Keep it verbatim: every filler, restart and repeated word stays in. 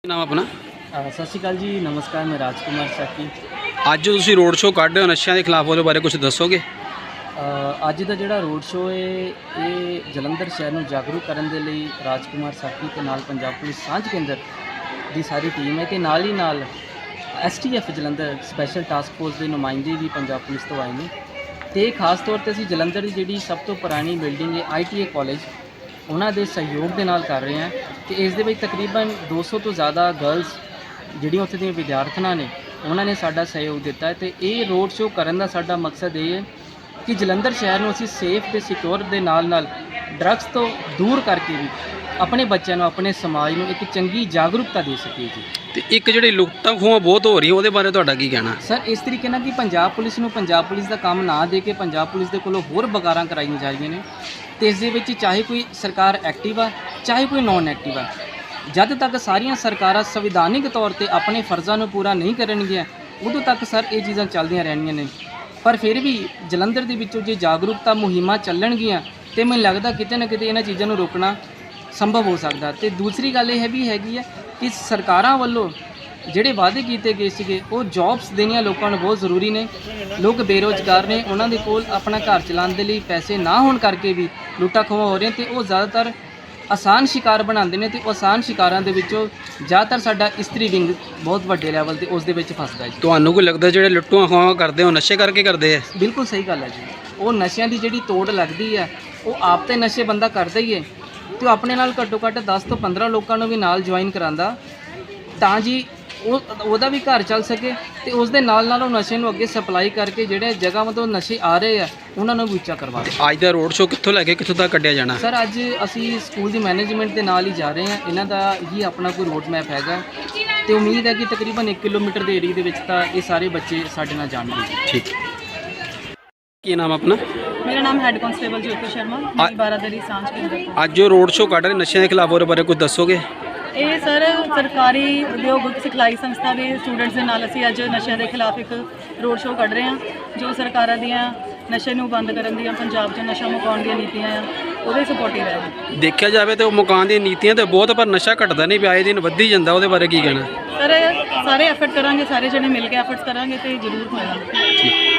ਨਾਮ ਆਪਣਾ? ਅ, ਸਤਿ ਸ਼੍ਰੀ ਅਕਾਲ ਜੀ, ਨਮਸਕਾਰ। ਮੈਂ ਰਾਜਕੁਮਾਰ ਸਾਕੀ। ਅੱਜ ਤੁਸੀਂ ਰੋਡ ਸ਼ੋਅ ਕੱਢ ਰਹੇ ਹੋ ਨਸ਼ਿਆਂ ਦੇ ਖਿਲਾਫ, ਉਹਦੇ ਬਾਰੇ ਕੁਝ ਦੱਸੋਗੇ? ਅ, ਅੱਜ ਦਾ ਜਿਹੜਾ ਰੋਡ ਸ਼ੋਅ ਹੈ ਇਹ ਜਲੰਧਰ ਸ਼ਹਿਰ ਨੂੰ ਜਾਗਰੂਕ ਕਰਨ ਦੇ ਲਈ ਰਾਜਕੁਮਾਰ ਸਾਕੀ ਤੇ ਨਾਲ ਪੰਜਾਬ ਪੁਲਿਸ ਸਾਂਝ ਕੇਂਦਰ ਦੀ ਸਾਰੀ ਟੀਮ ਹੈ ਤੇ ਨਾਲ ਹੀ ਨਾਲ S T F Jalandhar special task force ਦੇ ਨੁਮਾਇੰਦੇ ਵੀ ਪੰਜਾਬ ਪੁਲਿਸ ਤੋਂ ਆਏ ਨੇ ਤੇ ਖਾਸ ਤੌਰ ਤੇ ਅਸੀਂ ਜਲੰਧਰ ਦੀ ਜਿਹੜੀ ਸਭ ਤੋਂ ਪੁਰਾਣੀ ਬਿਲਡਿੰਗ ਹੈ ਆਈ ਟੀ ਆਈ ਕਾਲਜ, ਉਹਨਾਂ ਦੇ ਸਹਿਯੋਗ ਦੇ ਨਾਲ ਕਰ ਰਹੇ ਹਾਂ ਤੇ ਇਸ ਦੇ ਵਿੱਚ ਤਕਰੀਬਨ ਦੋ ਸੌ ਤੋਂ ਜ਼ਿਆਦਾ ਗਰਲਸ ਜਿਹੜੀਆਂ ਉੱਥੇ ਦੀਆਂ ਵਿਦਿਆਰਥਣਾਂ ਨੇ ਉਹਨਾਂ ਨੇ ਸਾਡਾ ਸਹਿਯੋਗ ਦਿੱਤਾ ਹੈ ਤੇ ਇਹ ਰੋਡ ਸ਼ੋਅ ਕਰਨ ਦਾ ਸਾਡਾ ਮਕਸਦ ਇਹ ਹੈ ਕਿ ਜਲੰਧਰ ਸ਼ਹਿਰ ਨੂੰ ਅਸੀਂ ਸੇਫ ਤੇ ਸਿਕਿਉਰ ਦੇ ਨਾਲ ਨਾਲ ਡਰੱਗਸ ਤੋਂ ਦੂਰ ਕਰਕੇ ਵੀ ਆਪਣੇ ਬੱਚਿਆਂ ਨੂੰ, ਆਪਣੇ ਸਮਾਜ ਨੂੰ ਇੱਕ ਚੰਗੀ ਜਾਗਰੂਕਤਾ ਦੇ ਸਕੀਏ ਜੀ। ਤੇ ਇੱਕ ਜਿਹੜੀ ਲੁੱਟਾਂ ਖੋਹਾਂ ਬਹੁਤ ਹੋ ਰਹੀਆਂ, ਉਹਦੇ ਬਾਰੇ ਤੁਹਾਡਾ ਕੀ ਕਹਿਣਾ? ਸਰ, ਇਸ ਤਰੀਕੇ ਨਾਲ ਕਿ ਪੰਜਾਬ ਪੁਲਿਸ ਨੂੰ ਪੰਜਾਬ ਪੁਲਿਸ ਦਾ ਕੰਮ ਨਾ ਦੇ ਕੇ ਪੰਜਾਬ ਪੁਲਿਸ ਦੇ ਕੋਲੋਂ ਹੋਰ ਬਗਾਰਾਂ ਕਰਾਈਆਂ ਜਾ ਰਹੀਆਂ ਨੇ ਤੇ ਇਸ ਦੇ ਵਿੱਚ ਚਾਹੇ ਕੋਈ ਸਰਕਾਰ ਐਕਟਿਵ ਆ ਚਾਹੇ ਕੋਈ ਨੌਨ ਐਕਟਿਵ ਆ, ਜਦ ਤੱਕ ਸਾਰੀਆਂ ਸਰਕਾਰਾਂ ਸੰਵਿਧਾਨਿਕ ਤੌਰ ਤੇ ਆਪਣੇ ਫਰਜ਼ਾਂ ਨੂੰ ਪੂਰਾ ਨਹੀਂ ਕਰਨਗੀਆਂ ਉਦੋਂ ਤੱਕ ਸਰ ਇਹ ਚੀਜ਼ਾਂ ਚੱਲਦੀਆਂ ਰਹਿਣੀਆਂ ਨੇ। ਪਰ ਫਿਰ ਵੀ ਜਲੰਧਰ ਦੇ ਵਿੱਚੋਂ ਜੇ ਜਾਗਰੂਕਤਾ ਮੁਹਿੰਮਾਂ ਚੱਲਣਗੀਆਂ ਤੇ ਮੈਨੂੰ ਲੱਗਦਾ ਕਿਤੇ ਨਾ ਕਿਤੇ ਇਹਨਾਂ ਚੀਜ਼ਾਂ ਨੂੰ ਰੋਕਣਾ ਸੰਭਵ ਹੋ ਸਕਦਾ। ਤੇ ਦੂਸਰੀ ਗੱਲ ਇਹ ਵੀ ਹੈਗੀ ਹੈ ਕਿ ਸਰਕਾਰਾਂ ਵੱਲੋਂ ਜਿਹੜੇ ਵਾਅਦੇ ਕੀਤੇ ਗਏ ਸੀਗੇ ਉਹ ਜੌਬਸ ਦੇਣੀਆਂ ਲੋਕਾਂ ਨੂੰ ਬਹੁਤ ਜ਼ਰੂਰੀ ਨੇ। ਲੋਕ ਬੇਰੁਜ਼ਗਾਰ ਨੇ, ਉਹਨਾਂ ਦੇ ਕੋਲ ਆਪਣਾ ਘਰ ਚਲਾਉਣ ਦੇ ਲਈ ਪੈਸੇ ਨਾ ਹੋਣ ਕਰਕੇ ਵੀ ਲੁੱਟਾਂ ਖੋਹਾਂ ਹੋ ਰਹੀਆਂ ਤੇ ਉਹ ਜ਼ਿਆਦਾਤਰ ਆਸਾਨ ਸ਼ਿਕਾਰ ਬਣਾਉਂਦੇ ਨੇ ਤੇ ਉਹ ਆਸਾਨ ਸ਼ਿਕਾਰਾਂ ਦੇ ਵਿੱਚੋਂ ਜ਼ਿਆਦਾਤਰ ਸਾਡਾ ਇਸਤਰੀ ਵਿੰਗ ਬਹੁਤ ਵੱਡੇ ਲੈਵਲ ਤੇ ਉਸ ਦੇ ਵਿੱਚ ਫਸਦਾ ਹੈ ਜੀ। ਤੁਹਾਨੂੰ ਕੋਈ ਲੱਗਦਾ ਜਿਹੜੇ ਲੁੱਟਾਂ ਖੋਹਾਂ ਕਰਦੇ ਹੋ ਨਸ਼ੇ ਕਰਕੇ ਕਰਦੇ ਆ? ਬਿਲਕੁਲ ਸਹੀ ਗੱਲ ਹੈ ਜੀ। ਉਹ ਨਸ਼ਿਆਂ ਦੀ ਜਿਹੜੀ ਤੋੜ ਲੱਗਦੀ ਹੈ ਉਹ ਆਪ ਤੇ ਨਸ਼ੇ ਬੰਦਾ ਕਰਦਾ ਹੀ ਹੈ ਤੇ ਉਹ ਆਪਣੇ ਨਾਲ ਘੱਟੋ ਘੱਟ ਦਸ ਤੋਂ ਪੰਦਰਾਂ ਲੋਕਾਂ ਨੂੰ ਵੀ ਨਾਲ ਜੁਆਇਨ ਕਰਾਉਂਦਾ ਤਾਂ ਜੀ ਉਹ ਉਹਦਾ ਵੀ ਘਰ ਚੱਲ ਸਕੇ ਤੇ ਉਸ ਦੇ ਨਾਲ ਨਾਲ ਉਹ ਨਸ਼ੇ ਨੂੰ ਅੱਗੇ ਸਪਲਾਈ ਕਰਕੇ ਜਿਹੜੇ ਜਗ੍ਹਾ ਤੋਂ ਨਸ਼ੇ ਆ ਰਹੇ ਆ ਉਹਨਾਂ ਨੂੰ ਵੀ ਉੱਚਾ ਕਰਵਾ ਦੇ। ਅੱਜ ਦਾ ਰੋਡ ਸ਼ੋਅ ਕਿੱਥੋਂ ਲੈ ਕੇ ਕਿੱਥੋਂ ਤੱਕ ਕੱਢਿਆ ਜਾਣਾ? ਸਰ, ਅੱਜ ਅਸੀਂ ਸਕੂਲ ਦੀ ਮੈਨੇਜਮੈਂਟ ਦੇ ਨਾਲ ਹੀ ਜਾ ਰਹੇ ਹਾਂ। ਇਹਨਾਂ ਦਾ ਹੀ ਆਪਣਾ ਕੋਈ ਰੋਡ ਮੈਪ ਹੈਗਾ ਤੇ ਉਮੀਦ ਹੈ ਕਿ ਤਕਰੀਬਨ ਇੱਕ ਕਿਲੋਮੀਟਰ ਦੇ ਏਰੀਏ ਦੇ ਵਿੱਚ ਤਾਂ ਇਹ ਸਾਰੇ ਬੱਚੇ ਸਾਡੇ ਨਾਲ ਜਾਣਗੇ। ਠੀਕ। ਕੀ ਨਾਮ ਆਪਣਾ? ਮੇਰਾ ਨਾਮ ਹੈੱਡ ਕਾਂਸਟੇਬਲ ਜੋਤੀ ਸ਼ਰਮਾ, ਮੇਰੀ ਬਾਰਾਦਰੀ ਸਾਂਝ ਕੇਂਦਰ ਤੋਂ। ਅੱਜ ਜੋ ਰੋਡ ਸ਼ੋਅ ਕੱਢ ਰਹੇ ਨਸ਼ਿਆਂ ਦੇ ਖਿਲਾਫ, ਉਹਦੇ ਬਾਰੇ ਕੁਝ ਦੱਸੋਗੇ? ਇਹ ਸਰ ਸਰਕਾਰੀ ਉਦਯੋਗ ਸਿਖਲਾਈ ਸੰਸਥਾ ਦੇ ਸਟੂਡੈਂਟਸ ਦੇ ਨਾਲ ਅਸੀਂ ਅੱਜ ਨਸ਼ਿਆਂ ਦੇ ਖਿਲਾਫ ਇੱਕ ਰੋਡ ਸ਼ੋਅ ਕੱਢ ਰਹੇ ਹਾਂ ਜੋ ਸਰਕਾਰਾਂ ਦੀਆਂ ਨਸ਼ੇ ਨੂੰ ਬੰਦ ਕਰਨ ਦੀਆਂ, ਪੰਜਾਬ 'ਚ ਨਸ਼ਾ ਮੁਕਾਉਣ ਦੀਆਂ ਨੀਤੀਆਂ ਆ ਉਹਦੇ ਸਪੋਰਟਿਵ ਹੈ। ਦੇਖਿਆ ਜਾਵੇ ਤਾਂ ਉਹ ਮੁਕਾਉਣ ਦੀਆਂ ਨੀਤੀਆਂ ਤਾਂ ਬਹੁਤ, ਪਰ ਨਸ਼ਾ ਘਟਦਾ ਨਹੀਂ ਪਿਆ, ਇਹ ਦਿਨ ਵੱਧੀ ਜਾਂਦਾ, ਉਹਦੇ ਬਾਰੇ ਕੀ ਕਹਿਣਾ? ਸਰ, ਸਾਰੇ ਐਫਰਟ ਕਰਾਂਗੇ, ਸਾਰੇ ਜਣੇ ਮਿਲ ਕੇ ਐਫਰਟਸ ਕਰਾਂਗੇ ਤੇ ਜ਼ਰੂਰ ਹੋਏਗਾ। ਠੀਕ।